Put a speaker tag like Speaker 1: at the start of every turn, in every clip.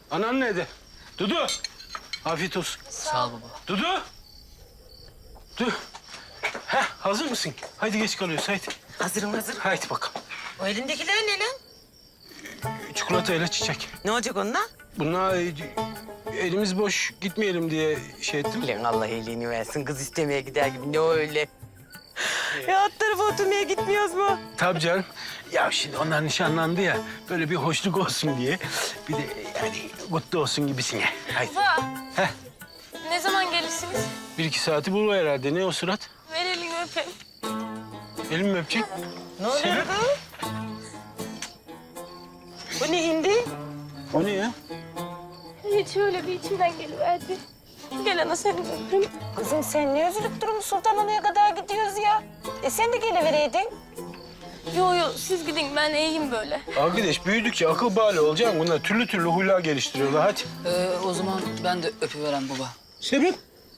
Speaker 1: Anan nerede? Dudu. Afiyet olsun.
Speaker 2: Sağ ol baba.
Speaker 1: Dudu. Dur. Heh, hazır mısın? Haydi geç kalıyoruz haydi.
Speaker 3: Hazırım hazır.
Speaker 1: Haydi bakalım.
Speaker 3: O elindekiler ne lan?
Speaker 1: Çikolata ile çiçek.
Speaker 3: Ne olacak onunla?
Speaker 1: Bunlar elimiz boş gitmeyelim diye şey ettim.
Speaker 3: Lan Allah iyiliğini versin. Kız istemeye gider gibi. Ne öyle? Ya alt tarafa oturmaya gitmiyoruz mu?
Speaker 1: Tabii canım. Ya şimdi onlar nişanlandı ya. Böyle bir hoşluk olsun diye. Bir de yani mutlu olsun gibisine. Haydi.
Speaker 4: Baba,
Speaker 1: Heh.
Speaker 4: ne zaman gelirsiniz?
Speaker 1: 1-2 saati bulur herhalde. Ne o surat?
Speaker 4: Ver elini öpeyim.
Speaker 1: Elimi mi öpecek?
Speaker 3: Ne oluyor
Speaker 1: Sebep?
Speaker 3: kız? Bu ne hindi?
Speaker 1: O ne ya?
Speaker 4: Hiç öyle bir içimden geliverdi. Gel ana seni de öpeyim.
Speaker 3: Kızım sen ne üzülüp durun Sultanhana'ya kadar gidiyoruz ya. Sen de gelivereydin.
Speaker 4: Yo yo siz gidin ben iyiyim böyle.
Speaker 1: Arkadaş büyüdükçe akıl bali olacak. Bunlar türlü türlü huylar geliştiriyorlar. Hadi.
Speaker 2: O zaman ben de öpüverem baba.
Speaker 1: Sebep?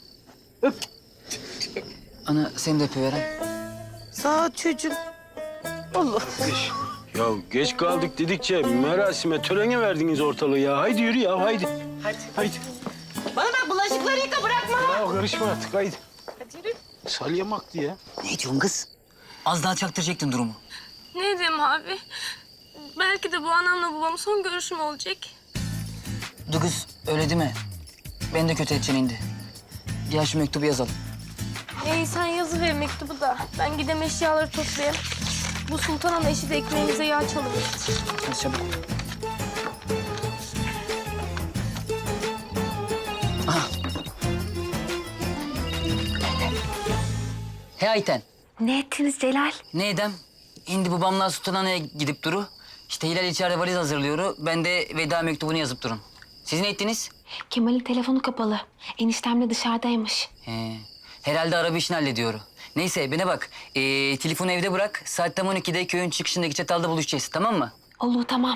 Speaker 2: Ana seni de öpüverem.
Speaker 3: Sağ ol çocuğum. Allah.
Speaker 1: Ya geç kaldık dedikçe merasime, törene verdiniz ortalığı ya. Haydi yürü ya, haydi.
Speaker 3: Hadi.
Speaker 1: Haydi.
Speaker 3: Bana bak bulaşıkları yıka bırakma.
Speaker 1: Ya karışma artık, haydi.
Speaker 4: Hadi yürü.
Speaker 1: Salyamaktı ya.
Speaker 2: Ne diyorsun kız? Az daha çaktıracaktın durumu.
Speaker 4: Ne diyeyim abi? Belki de bu anamla babamın son görüşüm olacak.
Speaker 2: Dur kız öyle değil mi? Ben de kötü edeceksin indi. Gel şu mektubu yazalım.
Speaker 4: İyi sen yazıver mektubu da. Ben gidem eşyaları toplayayım. Bu Sultan Ana eşi de ekmeğimize yağ çalıverir.
Speaker 2: Hadi çabuk. Aha. He Ayten.
Speaker 5: Ne ettiniz Celal?
Speaker 2: Ne edem? Şimdi babamla Sultanhane'ye gidip duru. İşte Hilal içeride valiz hazırlıyor. Ben de veda mektubunu yazıp durun. Siz ne ettiniz?
Speaker 5: Kemal'in telefonu kapalı. Eniştemle dışarıdaymış.
Speaker 2: He. Herhalde araba işini hallediyor. Neyse bana bak. Telefonu evde bırak. Saat tam 12'de köyün çıkışındaki çatalda buluşacağız. Tamam mı?
Speaker 5: Olur tamam.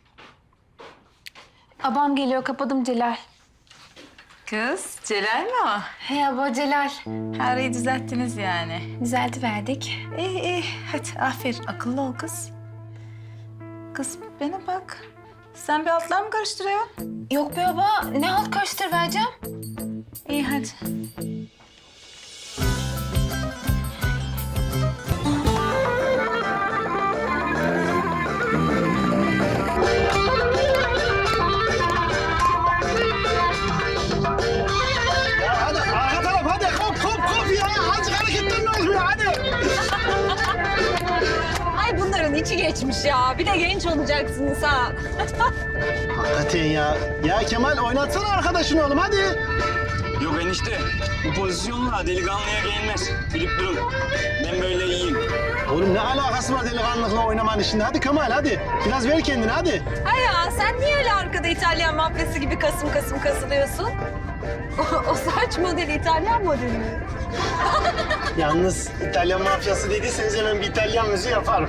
Speaker 5: Abam geliyor kapadım Celal.
Speaker 6: Kız, Celal mi o?
Speaker 5: He abla Celal.
Speaker 6: Her şeyi düzelttiniz yani.
Speaker 5: Düzeltiverdik.
Speaker 6: İyi, iyi. Hadi aferin. Akıllı ol kız. Kız bana bak. Sen bir altlar mı karıştırıyorsun?
Speaker 5: Yok be baba ne alt karıştırıvereceğim?
Speaker 6: İyi hadi.
Speaker 7: Hadi arka taraf hadi kop ya. Azıcık hareketler ne oluyor hadi.
Speaker 8: Ay bunların içi geçmiş ya. Bir de genç olacaksınız ha.
Speaker 7: Hakikaten ya. Ya Kemal oynatsana arkadaşını oğlum hadi.
Speaker 9: Yok enişte, bu pozisyonla delikanlıya gelmez. Bilip durun. Ben böyle iyiyim.
Speaker 7: Oğlum ne alakası var delikanlılıkla oynamanın şimdi? Hadi Kemal hadi. Biraz ver kendini hadi.
Speaker 8: Ay ya sen niye öyle arkada İtalyan mafyası gibi kasım kasım kasılıyorsun? O saç modeli İtalyan modeli mi?
Speaker 7: Yalnız İtalyan mafyası dediyseniz hemen bir İtalyan müziği yaparım.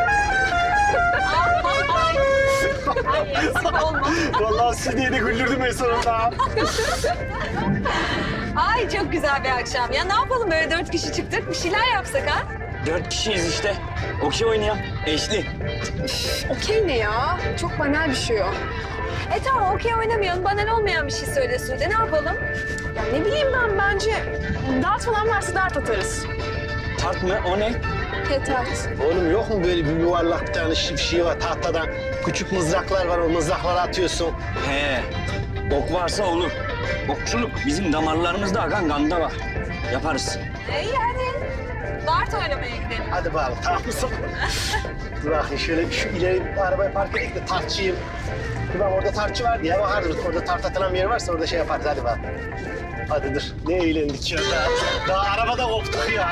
Speaker 8: Ay eksik olma.
Speaker 7: Vallahi siz diye de güldürdüm en sonunda.
Speaker 8: Ay çok güzel bir akşam. Ya ne yapalım böyle 4 kişi çıktık bir şeyler yapsak ha?
Speaker 9: 4 kişiyiz işte. Okey oynayalım. Eşli.
Speaker 8: Okey ne ya? Çok banal bir şey o. Tamam okey oynamayalım. Banal olmayan bir şey söyle Sude. Ne yapalım?
Speaker 6: Ya ne bileyim ben bence dart falan varsa dart atarız.
Speaker 9: Tart mı? O ne?
Speaker 8: Petart.
Speaker 7: Oğlum yok mu böyle bir yuvarlak bir tane şey var tahtadan? Küçük mızraklar var o mızrakları atıyorsun.
Speaker 9: He. Ok varsa olur. Okçuluk bizim damarlarımızda akan ganda var. Yaparız.
Speaker 8: İyi hadi. Dart oynamaya gidelim.
Speaker 7: Hadi bakalım tamam mısın? Dur bakayım şöyle şu ileri arabayı park edeyim de tartçıyım. Dur bak orada tartçı vardı ya bakarız. Orada tart atılan bir yer varsa orada şey yaparız hadi bak. Hadi dur. Ne eğlendik ya. Daha arabada koptuk ya.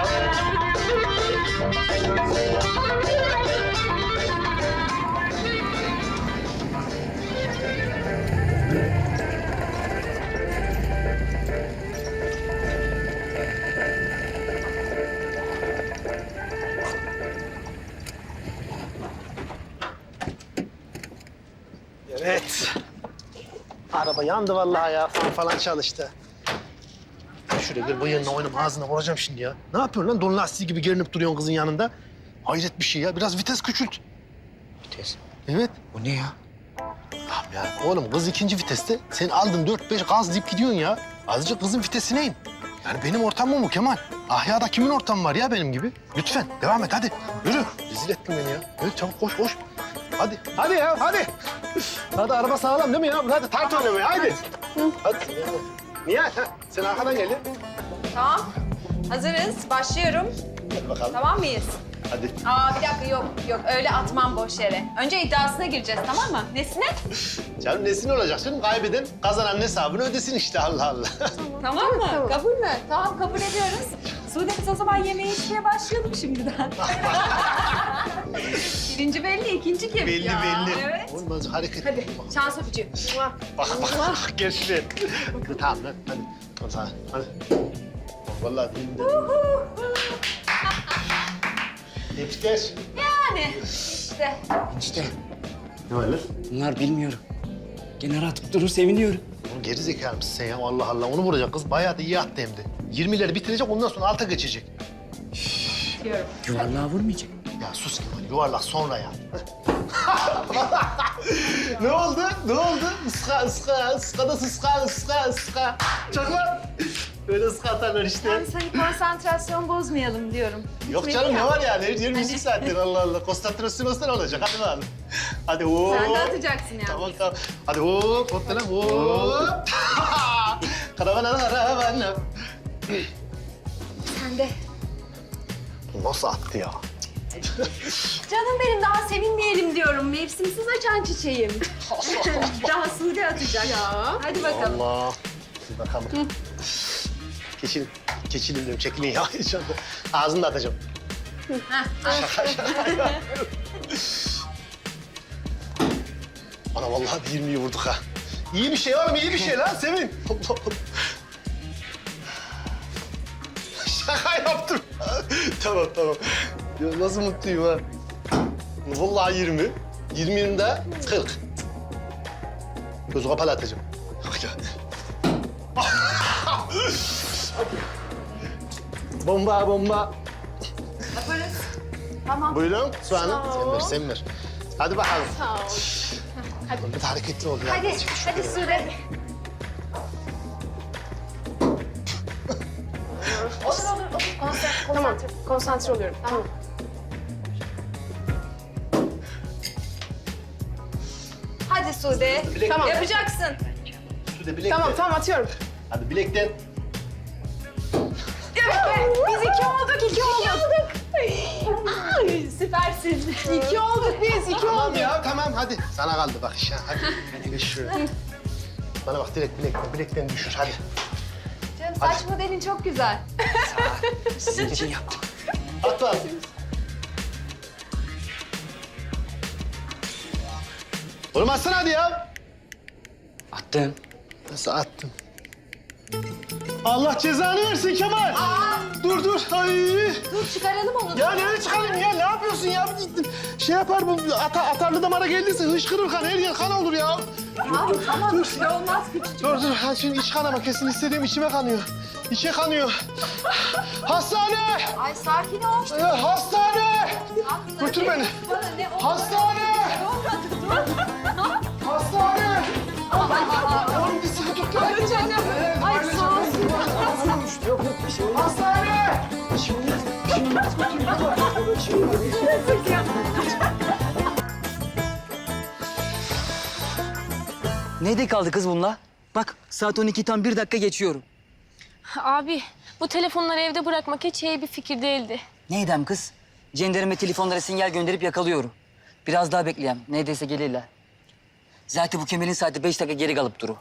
Speaker 7: Evet. Araba yandı vallahi ya. Fan falan çalıştı. Şuraya bir bıyığınla oynama ağzına vuracağım şimdi ya. Ne yapıyorsun lan? Don lastiği gibi gerinip duruyorsun kızın yanında. Hayret bir şey ya. Biraz vites küçült.
Speaker 9: Vites.
Speaker 7: Evet.
Speaker 9: O ne ya?
Speaker 7: Bak Ya oğlum kız ikinci viteste. Sen aldın 4-5 gaz deyip gidiyorsun ya. Azıcık kızın vitesine in. Yani benim ortamım bu Kemal. Ahya'da kimin ortamı var ya benim gibi? Lütfen devam et hadi. Yürü. Rezil ettin beni ya. Evet çabuk koş koş. Hadi. Hadi ya hadi. Hadi araba sağlam değil mi ya? Hadi tart oynamaya haydi. Hadi. Niye? Ha, sen arkadan gel ya.
Speaker 8: Tamam. Hazırız. Başlıyorum.
Speaker 7: Hadi bakalım.
Speaker 8: Tamam mıyız?
Speaker 7: Hadi.
Speaker 8: Bir dakika yok öyle atmam boş yere. Önce iddiasına gireceğiz tamam mı? Nesine?
Speaker 7: Canım nesin olacak canım? Kaybeden kazanan hesabını ödesin işte Allah Allah.
Speaker 8: Tamam mı? Kabul mü? Tamam kabul ediyoruz. Sude biz o zaman yemeğe içmeye başlayalım şimdiden. Birinci belli, ikinci kim?
Speaker 7: belli
Speaker 8: Ya,
Speaker 7: belli.
Speaker 8: Evet.
Speaker 7: Olmaz hareket.
Speaker 8: Hadi şans öpücüğü.
Speaker 7: Bak gençler. Tamam lan hadi. Tamam sana hadi. Vallahi değilim de. Tebrikler.
Speaker 8: Yani işte.
Speaker 9: İşte
Speaker 7: Ne var lan?
Speaker 9: bunlar bilmiyorum. Gene atıp durur seviniyorum.
Speaker 7: Oğlum geri zekalı mısın sen ya? Allah Allah onu vuracak kız. Bayağı da iyi attı hem de. 20'leri bitirecek ondan sonra alta geçecek.
Speaker 9: Yuvarlığa vurmayacak.
Speaker 7: Ya sus Kemal yuvarlak sonra ya. Ne oldu? Ne oldu? Iska, ıska, ıska da ıska, ıska, ıska. Çok lan. Öyle ıska atarlar işte.
Speaker 8: Hani konsantrasyon bozmayalım diyorum.
Speaker 7: Yok canım ne var yani? Her müzik zaten Allah Allah. Konsantrasyon olsa ne olacak? Hadi bakalım. Hadi hop.
Speaker 8: Sen de atacaksın yani.
Speaker 7: Tamam tamam. Hadi hop hop lan hop. Karavana karavana.
Speaker 8: Sen de.
Speaker 7: Nasıl attı ya?
Speaker 8: Canım benim daha sevinmeyelim diyorum. Mevsimsiz açan çiçeğim. Daha Sude atacak. Ya. Hadi bakalım.
Speaker 7: Allah. Bir bakalım. Keçilin diyorum. Çekilin ya. İnşallah. Ağzını da atacağım. Şaka şaka. Ana vallahi bir 20'yi vurduk ha. İyi bir şey oğlum, iyi bir şey lan Sevin. Allah Allah. Şaka yaptım. Tamam tamam. Ya nasıl mutluyum ha. Vallahi 20. 20'nin de 40. Gözü kapalı atacağım. Bak ya. Bomba bomba.
Speaker 8: Yaparız. Tamam.
Speaker 7: Buyurun soğanım. Sen ver. Hadi bakalım.
Speaker 8: Sağ ol.
Speaker 7: Hadi. Bir de hareketli ol ya.
Speaker 8: Hadi Sude. Olur.
Speaker 4: Tamam, konsantre oluyorum. Tamam.
Speaker 8: Hadi Sude.
Speaker 7: Bilek-
Speaker 8: Tamam. Yapacaksın.
Speaker 7: Şurada bilekten.
Speaker 4: Tamam atıyorum.
Speaker 7: Hadi bilekten.
Speaker 4: Biz iki olduk.
Speaker 8: Ay, süpersin.
Speaker 4: İki olduk biz,
Speaker 7: Tamam ya tamam hadi. Sana kaldı bak iş ha. Hadi geç şuraya. Bana bak direkt bilekten düşür hadi.
Speaker 8: Canım saç modelin çok güzel.
Speaker 9: Sizin için yaptım.
Speaker 7: At lan. Oğlum atsana hadi ya.
Speaker 9: Attım.
Speaker 7: Nasıl attın? Allah cezanı versin Kemal. Dur. Ay.
Speaker 8: Dur çıkaralım onu.
Speaker 7: Ya nereye çıkarayım ya? Ne yapıyorsun ya? Şey yapar bu atarlı damara geldiyse hışkırır kan. Her yer kan olur ya.
Speaker 8: Tamam. Bir şey olmaz küçük.
Speaker 7: Dur. Ha, şimdi iç kanama kesin istediğim içime kanıyor. İçe kanıyor. Hastane!
Speaker 8: Ay sakin ol.
Speaker 7: Hastane! Götür beni.
Speaker 8: Bana ne oldu?
Speaker 7: Hastane! Hastane! Oğlum bir sıkı tut lan.
Speaker 8: Ay sağ ol.
Speaker 7: Yok bir şey olmaz. Hastane!
Speaker 2: Neyde kaldı kız bununla? Bak saat 12 tam 1 dakika geçiyorum.
Speaker 4: Abi, bu telefonları evde bırakmak hiç iyi bir fikir değildi.
Speaker 2: Neydem kız? Cenderime telefonlara sinyal gönderip yakalıyorum. Biraz daha bekleyeyim. Neredeyse gelirler. Zaten bu Kemal'in saati 5 dakika geri kalıp duru.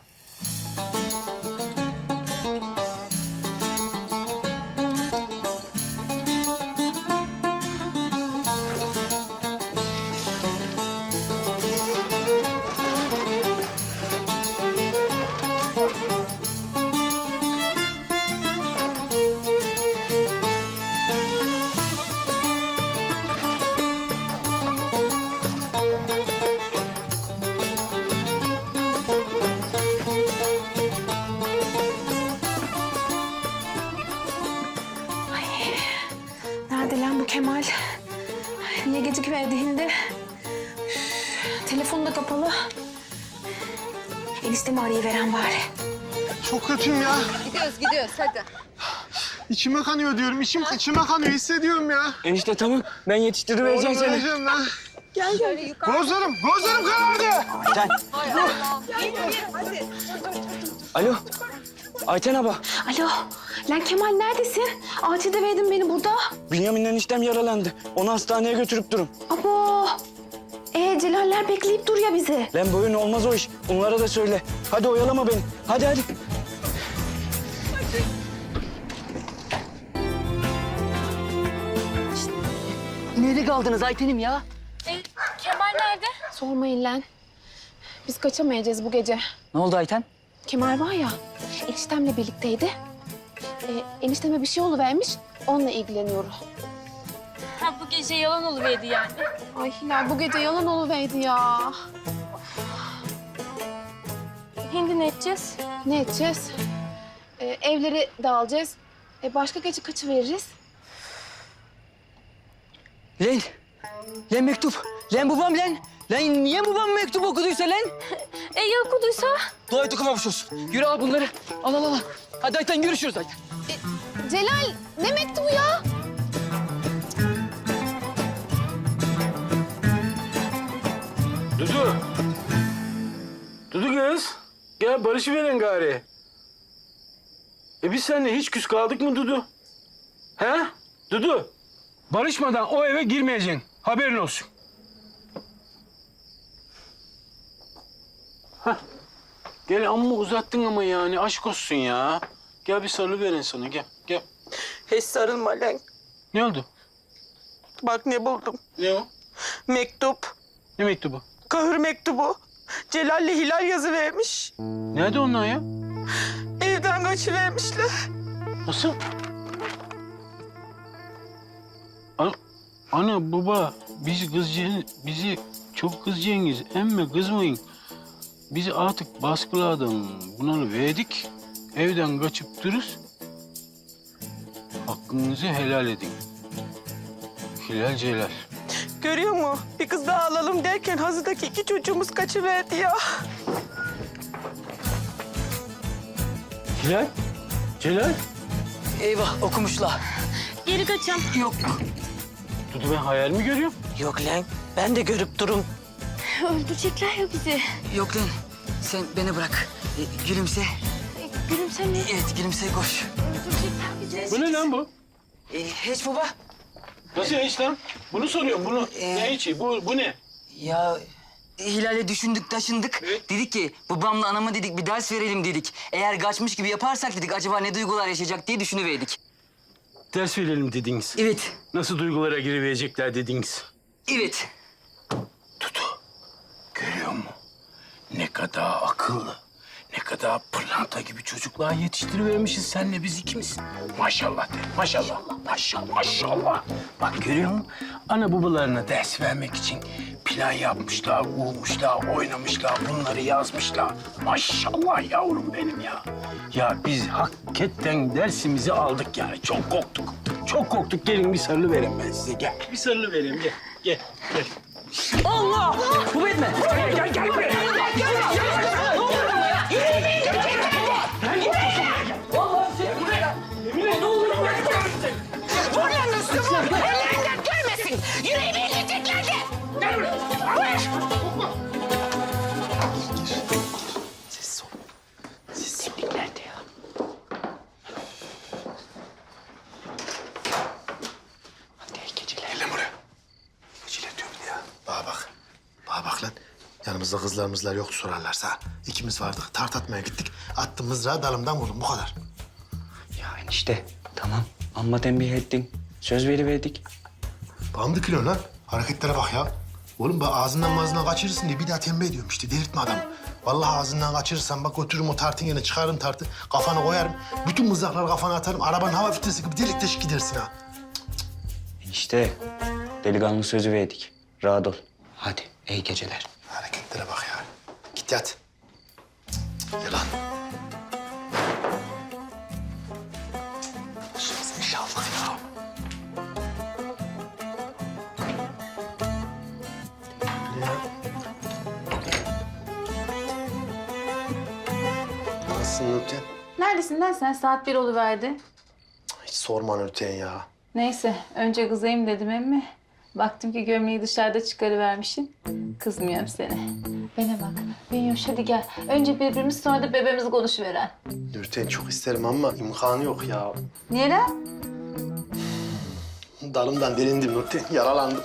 Speaker 5: Nerede lan bu Kemal? Niye gecikmedi hindi? Üf, telefonu da kapalı. Eniştemi arayıveren bari.
Speaker 7: Çok kötüyüm ya.
Speaker 8: Gidiyoruz hadi.
Speaker 7: İçime kanıyor diyorum. İçime kanıyor. Hissediyorum ya.
Speaker 9: Enişte tamam. Ben yetiştirivereceğim seni.
Speaker 7: Öleceğim lan. Gel. Gözlerim karardı.
Speaker 9: Ayten. Alo. Ayten abla.
Speaker 5: Alo, lan Kemal neredesin? Acilde verdin beni burada.
Speaker 9: Bünyamin'le eniştem yaralandı. Onu hastaneye götürüp durun.
Speaker 5: Abo. Celaller bekleyip dur ya bizi.
Speaker 9: Lan boyun olmaz o iş. Onlara da söyle. Hadi oyalama beni. Hadi.
Speaker 2: Nerede kaldınız Ayten'im ya?
Speaker 4: Kemal nerede?
Speaker 5: Sormayın lan. Biz kaçamayacağız bu gece.
Speaker 2: Ne oldu Ayten?
Speaker 5: Kemal var ya, eniştemle birlikteydi. Enişteme bir şey oluvermiş, onunla ilgileniyorum.
Speaker 4: Ha bu gece yalan oluverdi yani.
Speaker 5: Ay Hilal, bu gece yalan oluverdi ya.
Speaker 4: Hindi ne edeceğiz?
Speaker 5: Ne edeceğiz? Evleri dağılacağız. Başka gece kaçıveririz.
Speaker 2: Lan mektup. Lan babam lan. Lan niye babam mektup okuduysa lan?
Speaker 4: Ya okuduysa?
Speaker 2: Dua et okumamış olsun. Yürü al bunları. Al. Hadi Ayten görüşürüz Ayten.
Speaker 5: Celal, ne mektubu ya?
Speaker 1: Dudu. Dudu kız. Gel barışıverin gari. Biz seninle hiç küs kaldık mı Dudu? He? Dudu. Barışmadan o eve girmeyeceksin. Haberin olsun. Hah. Gel amma uzattın ama yani aşk olsun ya. Gel bir sarılı verin sana gel.
Speaker 3: Hiç sarılma lan.
Speaker 1: Ne oldu?
Speaker 3: Bak ne buldum.
Speaker 1: Ne o?
Speaker 3: Mektup.
Speaker 1: Ne mektubu?
Speaker 3: Kahır mektubu. Celal'le Hilal yazı vermiş.
Speaker 1: Nerede onlar ya?
Speaker 3: Evden kaçıvermişler.
Speaker 1: Nasıl? Ana baba bizi çok kızacaksınız. Emme kızmayın. Bizi artık baskıladan bunalı verdik. Evden kaçıp dururuz. Hakkınızı helal edin. Hilal Celal.
Speaker 3: Görüyor musun? Bir kız daha alalım derken hazırdaki 2 çocuğumuz kaçıverdi ya.
Speaker 1: Hilal? Celal?
Speaker 2: Eyvah okumuşlar.
Speaker 4: Geri kaçam.
Speaker 2: Yok.
Speaker 1: Dudu ben hayal mi görüyorum?
Speaker 3: Yok lan. Ben de görüp durum.
Speaker 4: Öldürecekler ya bizi.
Speaker 2: Yok lan. Sen beni bırak. Gülümse.
Speaker 4: Gülümse mi?
Speaker 2: Evet gülümse koş.
Speaker 4: Öldürecekler bizi.
Speaker 1: Bu ne lan bu?
Speaker 2: Hiç baba.
Speaker 1: Nasıl hiç lan? Bunu soruyorum bunu. Ne içi? Bu ne?
Speaker 2: Ya Hilal'e düşündük taşındık.
Speaker 1: Evet.
Speaker 2: Dedik ki babamla anama dedik bir ders verelim dedik. Eğer kaçmış gibi yaparsak dedik acaba ne duygular yaşayacak diye düşünüverdik.
Speaker 1: Ders verelim dediniz.
Speaker 2: Evet.
Speaker 1: Nasıl duygulara giriverecekler dediniz.
Speaker 2: Evet.
Speaker 1: Dudu, görüyor musun? Ne kadar akıllı, ne kadar pırlanta gibi çocuklar yetiştirivermişiz senle biz ikimiz. Maşallah de, maşallah. Bak görüyor musun? Ana babalarına ders vermek için plan yapmışlar, uğmuşlar, oynamışlar, bunları yazmışlar. Maşallah yavrum benim ya. Ya biz hakikaten dersimizi aldık yani. Çok korktuk. Çok korktuk. Gelin bir sarılı vereyim ben size. Gel. Bir sarılı vereyim. Gel.
Speaker 2: Allah! Bu etme.
Speaker 1: Gel buraya.
Speaker 7: Bana bak lan. Yanımızda kızlarımızlar yoktu sorarlarsa. İkimiz vardık. Tart atmaya gittik. Attım mızrağı dalımdan vurdum. Bu kadar.
Speaker 9: Ya enişte tamam. Amma tembih ettin. Söz veriverdik.
Speaker 7: Bana mı dikiliyorsun lan? Hareketlere bak ya. Oğlum bak ağzından kaçırırsın diye bir daha tembih ediyorum işte. Delirtme adamı. Vallahi ağzından kaçırırsan bak götürürüm o tartın yerine çıkarırım tartı. Kafana koyarım. Bütün mızrakları kafana atarım. Arabanın hava filtresi gibi delik deşik gidersin ha.
Speaker 9: Enişte delikanlı sözü verdik. Rahat ol. Hadi iyi geceler.
Speaker 7: Hareketlere bak ya. Git yat. Yılan. Başımıza iş aldık ya. Nasılsın Nurten?
Speaker 6: Neredesin lan sen? Saat 1 oluverdi.
Speaker 7: Hiç sorma Nurten ya.
Speaker 6: Neyse, önce kızayım dedim emmi. Baktım ki gömleği dışarıda çıkarıvermişsin. Kızmıyorum seni. Bana bak, Bünyoş hadi gel. Önce birbirimiz sonra da bebeğimizi konuşuveren.
Speaker 7: Nurten çok isterim ama imkanı yok ya.
Speaker 6: Niye lan?
Speaker 7: Dalımdan delindim Nurten, yaralandım.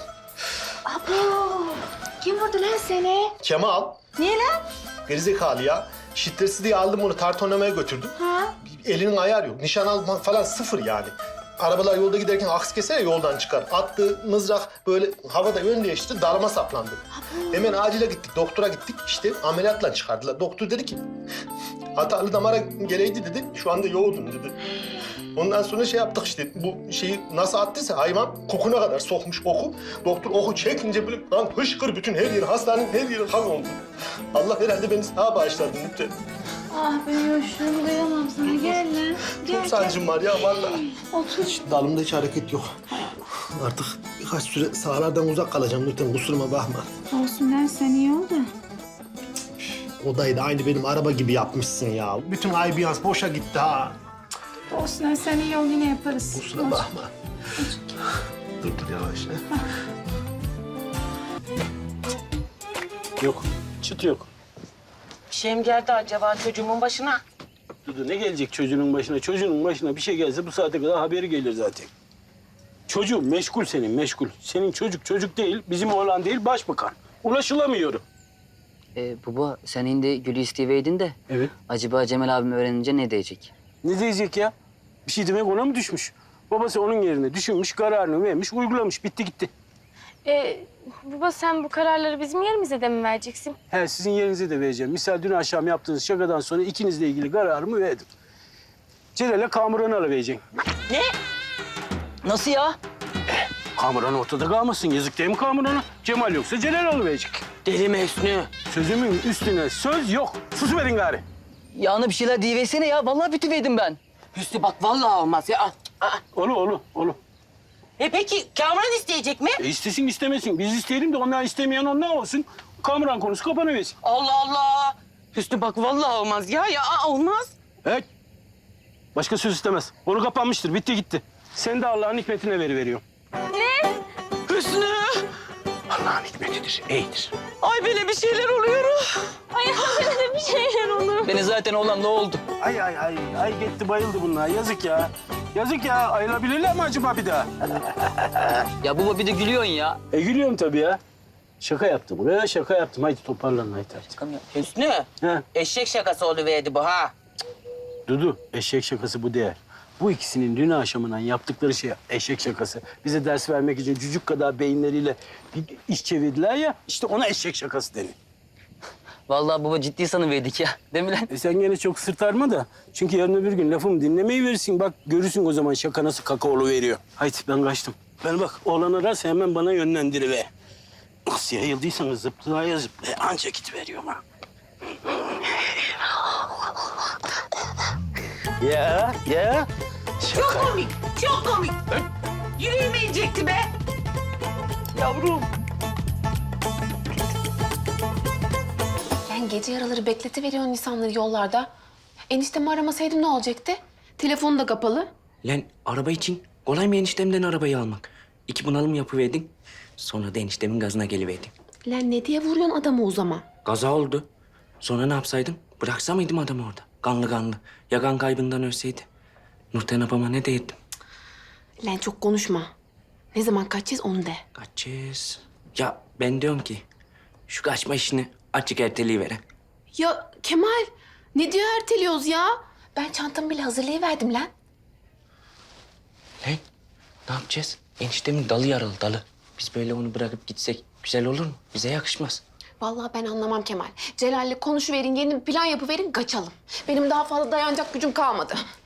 Speaker 5: Kim vurdu lan seni?
Speaker 7: Kemal.
Speaker 6: Niye lan?
Speaker 7: Gerizekalı ya. Şiddetli diye aldım onu tart oynamaya götürdüm. Elinin ayarı yok. Nişan almak falan sıfır yani. Arabalar yolda giderken aks keser ya yoldan çıkar. Attığı mızrak böyle havada yön değiştirdi, dalıma saplandı. Hemen acile gittik, doktora gittik. İşte ameliyatla çıkardılar. Doktor dedi ki, hatalı damara geleydi dedi. Şu anda yoğurdun dedi. Ondan sonra şey yaptık işte, bu şeyi nasıl attıysa hayvan kokuna kadar sokmuş oku. Doktor oku çekince böyle lan hışkır bütün her yer, hastanenin her yeri kan oldu. Allah herhalde beni sağa bağışladı lütfen.
Speaker 6: Ah Bünyoş'um duyamam sana. Gel lan.
Speaker 7: Çok sancım var ya vallahi.
Speaker 6: Otur.
Speaker 7: Dalımda hiç hareket yok. Artık birkaç süre sahalardan uzak kalacağım lütfen kusuruma bakma.
Speaker 6: Olsun lan sen iyi ol da.
Speaker 7: Odayı da aynı benim araba gibi yapmışsın ya. Bütün ambiyans boşa gitti ha.
Speaker 6: Olsun lan sen iyi ol yine yaparız.
Speaker 7: Kusura bakma. Dur yavaş.
Speaker 1: Yok, çıt yok.
Speaker 3: Bir şey mi geldi acaba çocuğumun başına?
Speaker 1: Dudu ne gelecek çocuğunun başına? Çocuğunun başına bir şey gelse bu saate kadar haberi gelir zaten. Çocuğun meşgul senin, meşgul. Senin çocuk değil, bizim oğlan değil, başbakan. Ulaşılamıyor.
Speaker 2: Baba sen indi Gül'ü isteyiveydin de.
Speaker 1: Evet.
Speaker 2: Acaba Cemal abim öğrenince ne diyecek?
Speaker 1: Ne diyecek ya? Bir şey demek ona mı düşmüş? Babası onun yerine düşünmüş, kararını vermiş, uygulamış. Bitti gitti.
Speaker 4: Baba sen bu kararları bizim yerimize de mi vereceksin?
Speaker 1: He, sizin yerinize de vereceğim. Misal dün akşam yaptığınız şakadan sonra ikinizle ilgili kararımı verdim. Celal'e Kamuran'ı alıvereceksin.
Speaker 2: Nasıl ya?
Speaker 1: Kamuran ortada kalmasın. Yazık değil mi Kamuran'a? Cemal yoksa Celal alıverecek.
Speaker 3: Deli mi Hüsnü?
Speaker 1: Sözümün üstüne söz yok. Susuverin gari.
Speaker 2: Ya ana bir şeyler diyiversene ya. Vallahi bitiveydim ben.
Speaker 3: Hüsnü bak vallahi olmaz ya.
Speaker 1: Olu.
Speaker 3: Peki Kamuran isteyecek mi?
Speaker 1: İstesin istemesin. Biz isteyelim de onlar istemeyen onlar olsun. Kamuran konusu kapanıversin.
Speaker 3: Allah Allah. Hüsnü bak vallahi olmaz ya. Olmaz.
Speaker 1: Evet. Başka söz istemez. Onu kapanmıştır. Bitti gitti. Sen de Allah'ın hikmetine veriveriyorsun.
Speaker 3: Hüsnü.
Speaker 1: Allah'ın hikmetidir, iyidir.
Speaker 3: Ay böyle bir şeyler oluyor.
Speaker 4: Ay bana da bir şeyler olur.
Speaker 2: Beni zaten olan ne oldu?
Speaker 1: Ay gitti bayıldı bunlar. Yazık ya. Yazık ya. Ayılabilirler mi acaba bir daha?
Speaker 2: Ya baba bir de gülüyorsun ya.
Speaker 1: Gülüyorum tabii ya. Şaka yaptım. Buraya şaka yaptım. Haydi toparlanın haydi.
Speaker 3: Hüsnü.
Speaker 1: He.
Speaker 3: Eşek şakası oluverdi bu ha.
Speaker 1: Dudu, eşek şakası bu değer. Bu ikisinin dün akşamından yaptıkları şey eşek şakası. Bize ders vermek için cücük kadar beyinleriyle bir iş çevirdiler ya. İşte ona eşek şakası denir.
Speaker 2: Vallahi baba ciddi sanıverdik ya. Değil mi lan?
Speaker 1: Sen gene çok sırtarma da. Çünkü yarın öbür gün lafımı dinlemeyi verirsin. Bak görürsün o zaman şaka nasıl kakaolu veriyor. Haydi ben kaçtım. Ben bak oğlan ararsa hemen bana yönlendiriver. Nasıl yayıldıysanız zıplaya zıplaya anca gitiveriyorum ha. Ya. Şaka.
Speaker 3: Çok komik. Yüreğime inecekti be.
Speaker 1: Yavrum.
Speaker 5: Yani gece yaraları bekletiveriyorsun insanları yollarda. Eniştemi aramasaydım ne olacaktı? Telefonu da kapalı.
Speaker 10: Lan araba için kolay mı eniştemden arabayı almak? 2 bunalım yapıverdin. Sonra da eniştemin gazına geliverdin.
Speaker 5: Lan ne diye vuruyorsun adamı o zaman?
Speaker 10: Kaza oldu. Sonra ne yapsaydım? Bıraksa mıydım adamı orada? Kanlı. Ya kan kaybından ölseydi? Nurten abama ne deyirdim?
Speaker 5: Lan çok konuşma. Ne zaman kaçacağız onu de.
Speaker 10: Kaçacağız. Ya ben diyorum ki şu kaçma işini açık erteleyiveren.
Speaker 5: Ya Kemal ne diyor erteliyoruz ya? Ben çantamı bile hazırlayıverdim lan.
Speaker 10: Lan ne yapacağız? Eniştemin dalı yaralı dalı. Biz böyle onu bırakıp gitsek güzel olur mu? Bize yakışmaz.
Speaker 5: Vallahi ben anlamam Kemal. Celal'le konuşuverin, yeni bir plan yapıverin, kaçalım. Benim daha fazla dayanacak gücüm kalmadı.